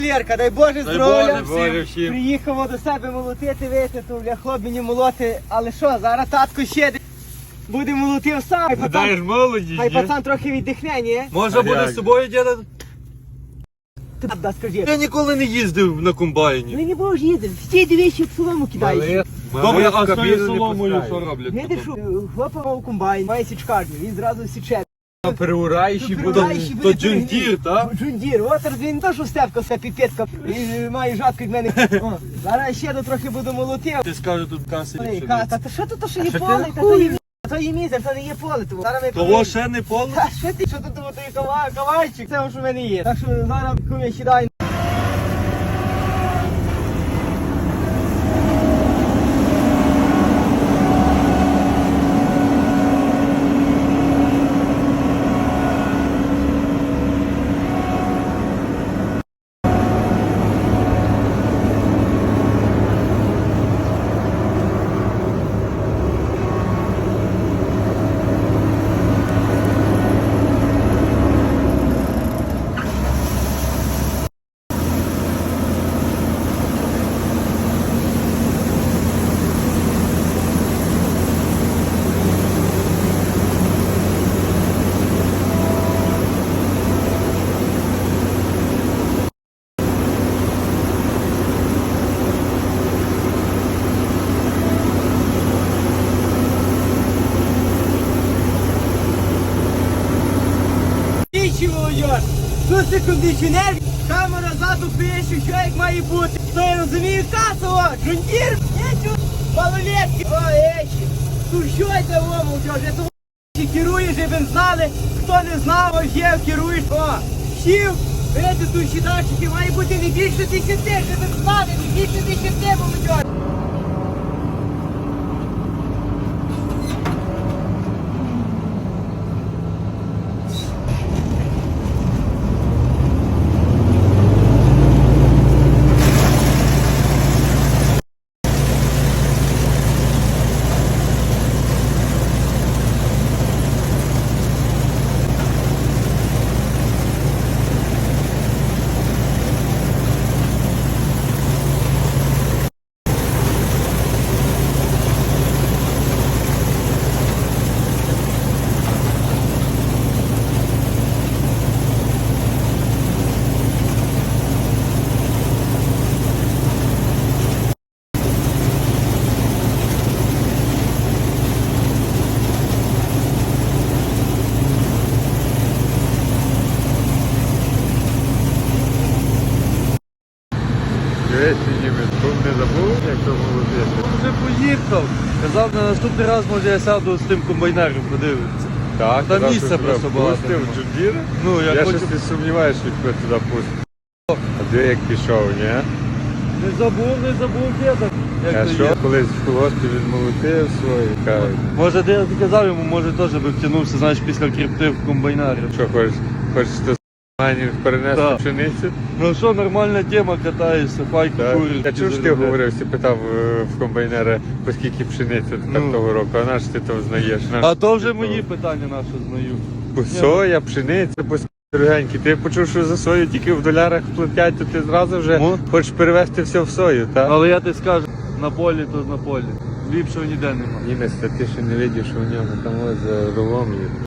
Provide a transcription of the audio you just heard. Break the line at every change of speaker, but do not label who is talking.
Лєрка, дай Боже здоров'я.
Боже всім.
Приїхав до себе молотити, вийти, то бля, хлоп мені молоти. Але що, зараз татко ще буде молотив сам.
Даєш молодість,
Хай
ні?
пацан трохи віддихне, ні?
Може буде з собою діда?
Ти да, скажи.
Я ніколи не їздив на комбайні.
Ну не будеш їздити, стій дивись, як солому кидаєш.
Добре, а з тою соломою що роблять?
Не дишу, хлопа мав комбайн, має січкарню, він зразу січе.
Переураєш і буде.
Переураєш і
То
буде
джундір, так?
Джундір, от він то, що степка, це піпецька, він має жатку від мене. О, зараз ще до трохи буду молотив.
Ти скажеш тут каси.
Ой, Та що тут, то що є поле, та то є то є мізер, то не є поле. Зараз ми
Того ще не поле?
Та що ти, що тут той кавайчик, це що в мене є. Так що зараз куме сідай. Молодь, тут це кондиціонер, камера ззаду пише, що як має бути. То я розумію касово, джундір, малолетки, о, ечі. Тут що йде о, молодь, я того керуєш, щоб ви знали, хто не знав, ось є, керуєш, о, сів, видите, тут щитачики, має бути не більше 10, щоб ви знали, не більше 10, молодь.
Не забув, як то молотити.
Вже поїхав. Казав, на наступний раз, може, я сяду з тим комбайнером, подивитися.
Так,
Там місця просто багато.
Пустив джундір.
Ну,
Я
я
щось
хочу...
не сумніваюся, що тебе туди пустив. А де як пішов, ні?
Не забув діда.
А
Як то
що?
є.
Колись в колгоспі він молотив свої. Кажуть,
Може, ти казав йому, може теж би втягнувся, знаєш, після крипти в комбайнарі.
що хочеш то манів перенести
Так.
пшеницю?
Ну що, нормальна тема, катаєшся, файку
Так.
куриш.
Я чув, що ти говорив, ти питав в комбайнера, по скільки пшениці
Ну.
того року, а наш ти то знаєш.
А то вже мої питання наші знаю.
По соя, пшениця, по дорогенькі. Ти почув, що за сою тільки в долярах платять, то ти зразу вже
Ну.
хочеш перевести все в сою, так?
Але я тобі скажу, на полі то на полі. Ліпшого ніде нема.
Німець, ти ще не видиш, що у нього там ось за рулом є.